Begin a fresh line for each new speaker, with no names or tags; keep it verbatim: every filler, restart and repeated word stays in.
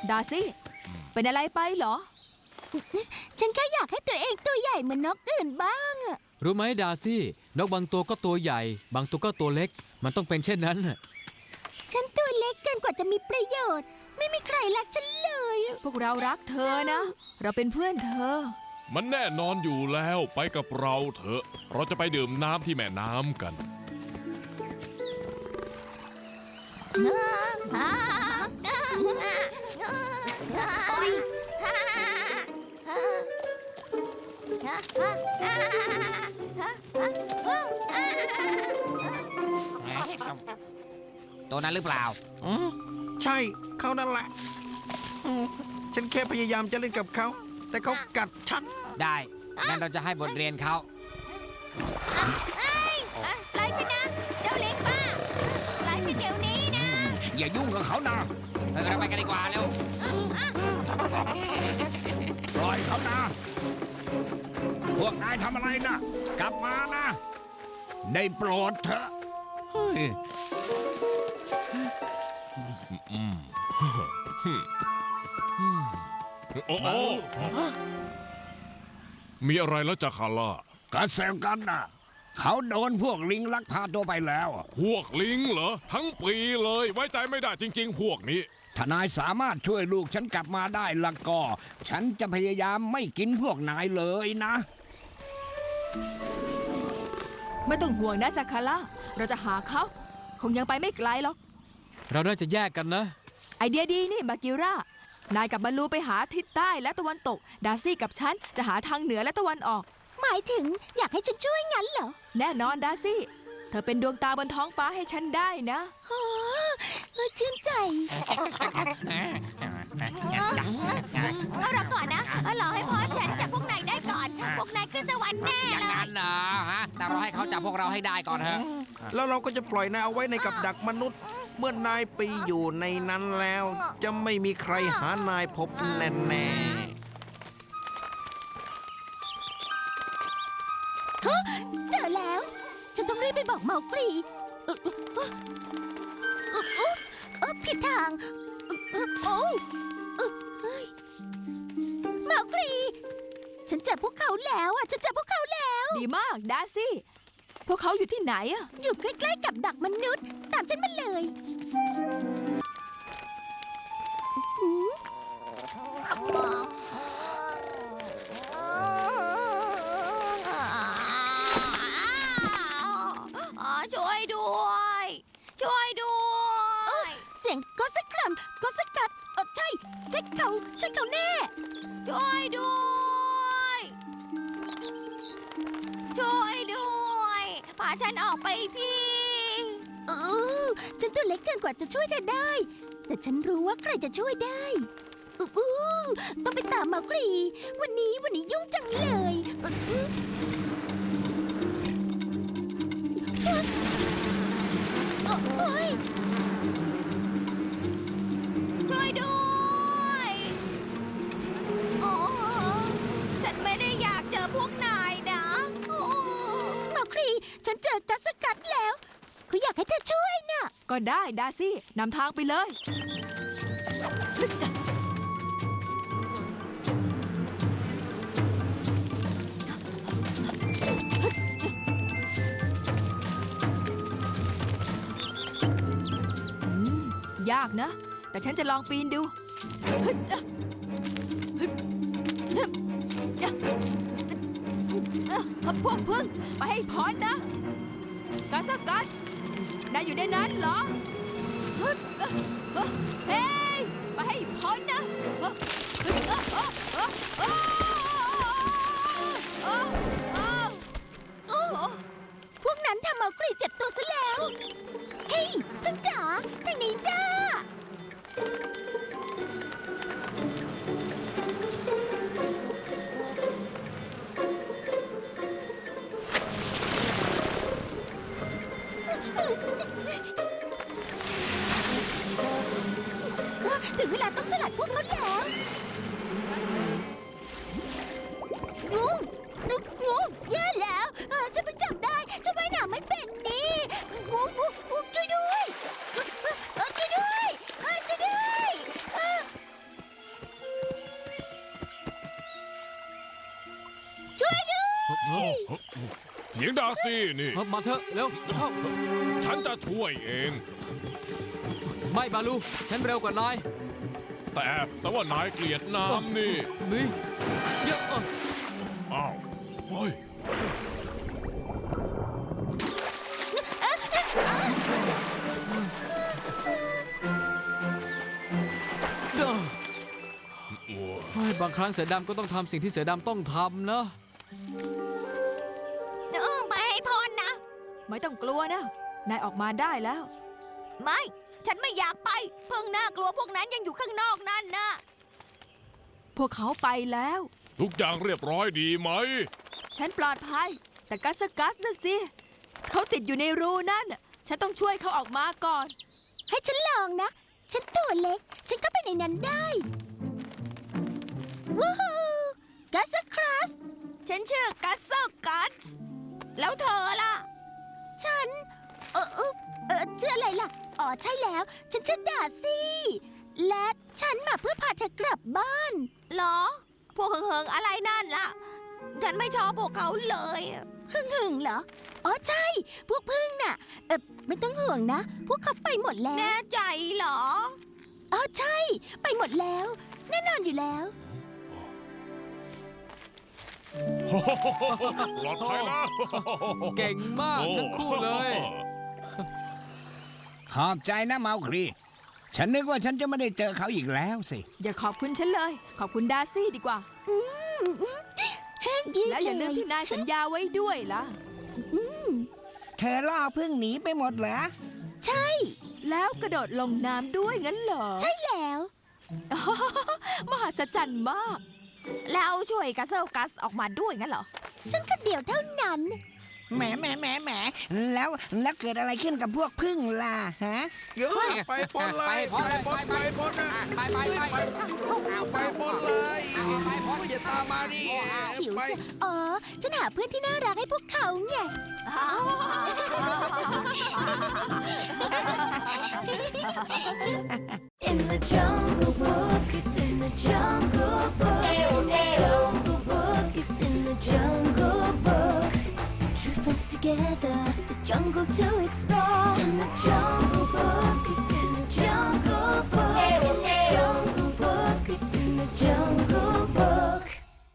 ดาซี่เป็นอะไรไปเหรอ
ฉันแค่อยากให้ตัวเองตัวใหญ่เหมือนนกอื่นบ้างอะ
รู้ไหมดาซี่นกบางตัวก็ตัวใหญ่บางตัวก็ตัวเล็กมันต้องเป็นเช่นนั้น
ฉันตัวเล็กเกินกว่าจะมีประโยชน์ไม่มีใครรักฉันเลย
พวกเรารักเธอนะเราเป็นเพื่อนเธอ
มันแน่นอนอยู่แล้วไปกับเราเถอะเราจะไปดื่มน้ำที่แม่น้ำกัน
ตัวนั้นหรือเปล่า
อืมใช่เขานั่นแหละอืมฉันแค่พยายามจะเล่นกับเขาแต่เขากัดฉัน
ได้งั้นเราจะให้บทเรียนเขา
ปล่อยฉันนะเจ้าเล็กบ้าปล่อยฉันเดี๋ยวนี้นะ
อย่ายุ่งกับเขานะเราไปกันดีกว่าเร็วปล่อยเขานะพวกนายทำอะไรนะกลับมานะได้โปรดเถอะ
โอ้โอ้มีอะไรแล้วจ่าคาร่า
ก็เซลกันนะเขาโดนพวกลิงลักพาตัวไปแล้ว
พวกลิงเหรอทั้งปีเลยไว้ใจไม่ได้จริงๆพวกนี้
ถ้านายสามารถช่วยลูกฉันกลับมาได้ละก็ฉันจะพยายามไม่กินพวกนายเลยนะ
ไม่ต้องห่วงนะจาคาร่าเราจะหาเขาคงยังไปไม่ไกลหรอก
เราน่าจะแยกกันนะ
ไอเดียดีนี่บากิร่านายกับบาลูไปหาทิศใต้และตะวันตกดาซี่กับฉันจะหาทางเหนือและตะวันออก
หมายถึงอยากให้ฉันช่วยงั้นเหรอ
แน่นอนดาซี่เธอเป็นดวงตาบนท้องฟ้าให้ฉันได้นะ
โอ้ชื่นใจเอาเราก่อนนะรอให้พ่อฉันจับพวกนายได้ก่อนพวกนายขึ้นสวรรค์แน่เลย
อย่างนั้นเหรอฮะแต่เราให้เขาจับพวกเราให้ได้ก่อนเถอะ
แล้วเราก็จะปล่อยนายเอาไว้ในกับดักมนุษย์เมื่อนายไปอยู่ในนั้นแล้วจะไม่มีใครหานายพบแน่แน่
เจอแล้วฉันต้องรีบไปบอกเมากรีเออเออผิดทางโอ้เมากรีฉันเจอพวกเขาแล้วอ่ะฉันเจอพวกเขาแล้ว
ดีมากดาซี่พวกเขาอยู่ที่ไหนอ่ะ
อยู่ใกล้ๆกับดักมนุษย์ตามฉันมาเลย
ช่วยด้วยช่วยด้วย
เสียงก็สักครั้งก็สักกัดเออใช่ใช่เขาใช่เขาแน่
ช่วยด้วยช่วยด้วยพาฉันออกไปที
เออฉันตัวเล็กเกินกว่าจะช่วยเธอได้แต่ฉันรู้ว่าใครจะช่วยได้อู้ต้องไปตามเมากรีวันนี้วันนี้ยุ่งจังเลย
ช่วยด้วยโอ้ฉันไม่ได้อยากเจอพวกนายนะ
เมากรีฉันเจอกัสกัดแล้วเขาอยากให้เธอช่วยน่ะ
ก็ได้ดาซี่นำทางไปเลยยากนะแต่ฉันจะลองปีนดูพวกพึ่งไปให้พ้นนะกัสกัสนายอยู่ในนั้นเหรอเฮ้ยไปให้พ้นนะ
พวกนั้นทำเมากรีเจ็บตัวซะแล้วเฮ้ยพึ่งจ๋าทางนี้จ้าถึงเวลาต้องสลัดพวกเขาแล้วงูงูงูแย่แล้วฉันเพิ่งจำได้ฉันว่ายน้ำไม่เป็นนี่งูงูงูช่วยด้วยช่วยด้วยช่วยด้วย
เฮ้ย
เถียงดาซี่นี่
เฮ้ยมาเถอะเร็วเข้า
ฉันจะช่วยเอง
ไม่บาลูฉันเร็วกว่านาย
แต่แต่ว่านายเกลียดน้ำนี่
นี่เยอะเออ
อ้าวเฮ้ย
เด้อเฮ้ยบางครั้งเสือดำก็ต้องทำสิ่งที่เสือดำต้องทำนะ
เออไปให้พ้นนะ
ไม่ต้องกลัวนะ นายออกมาได้แล้ว
ไม่ ฉันไม่อยากไป เพิ่งน่ากลัวพวกนั้นยังอยู่ข้างนอกนั่นนะ
พวกเขาไปแล้ว
ทุกอย่างเรียบร้อยดีไหม
ฉันปลอดภัย แต่กัสกัสนะสิ เขาติดอยู่ในรูนั่นน่ะฉันต้องช่วยเขาออกมาก่อน
ให้ฉันลองนะ ฉันตัวเล็ก ฉันก็ไปในนั้นได้วู้ฮูกัสครัสฉันชื่อกัสกัสแล้วเธอล่ะ ฉัน เออเออเออชื่ออะไรล่ะ อ๋อใช่แล้ว ฉันชื่อดาซี่ และฉันมาเพื่อพาเธอกลับบ้านเหรอ พวกเฮิงๆอะไรนั่นล่ะ ฉันไม่ชอบพวกเขาเลยหึงหึงๆเหรอ อ๋อใช่ พวกพึ่งน่ะ เออไม่ต้องห่วงนะ พวกเขาไปหมดแล้ว แน่ใจเหรอ อ๋อใช่ ไปหมดแล้ว แน่นอนอยู่แล้ว
ปลอดภัยแล้ว
เก่งมากทั้งคู่เลย
ขอบใจนะเมาครี ฉันนึกว่าฉันจะไม่ได้เจอเขาอีกแล้วสิ
อย่าขอบคุณฉันเลย ขอบคุณดาซี่ดีกว่า แล้วอย่าลืมที่นายสัญญาไว้ด้วยล่ะ
เธอล่อพึ่งหนีไปหมดเหรอ
ใช่
แล้วกระโดดลงน้ำด้วยงั้นเหรอ
ใช่แล้ว
มหัศจรรย์มาก
แล้วช่วยกัสเซลกัสออกมาด้วยงั้นเหรอ ฉันคนเดียวเท่านั้น
แหมแหมแหมแหมแล้วแล้วเกิดอะไรขึ้นกับพวกพึ่งล่ะฮะ
เยอะไปพ้นเลยไปพ้นไปพ้นนะ
ไปไปไป
ไปไปพ้นเลยอย่าตามมาดิ
ฉิว
ไป
เชียวอ๋อ ฉันหาเพื่อนที่น่ารักให้พวกเขาไง
In the jungle book, it's in the jungle book. Jungle book, it's in the jungle book. True friends together, the jungle to explore. In the jungle book, it's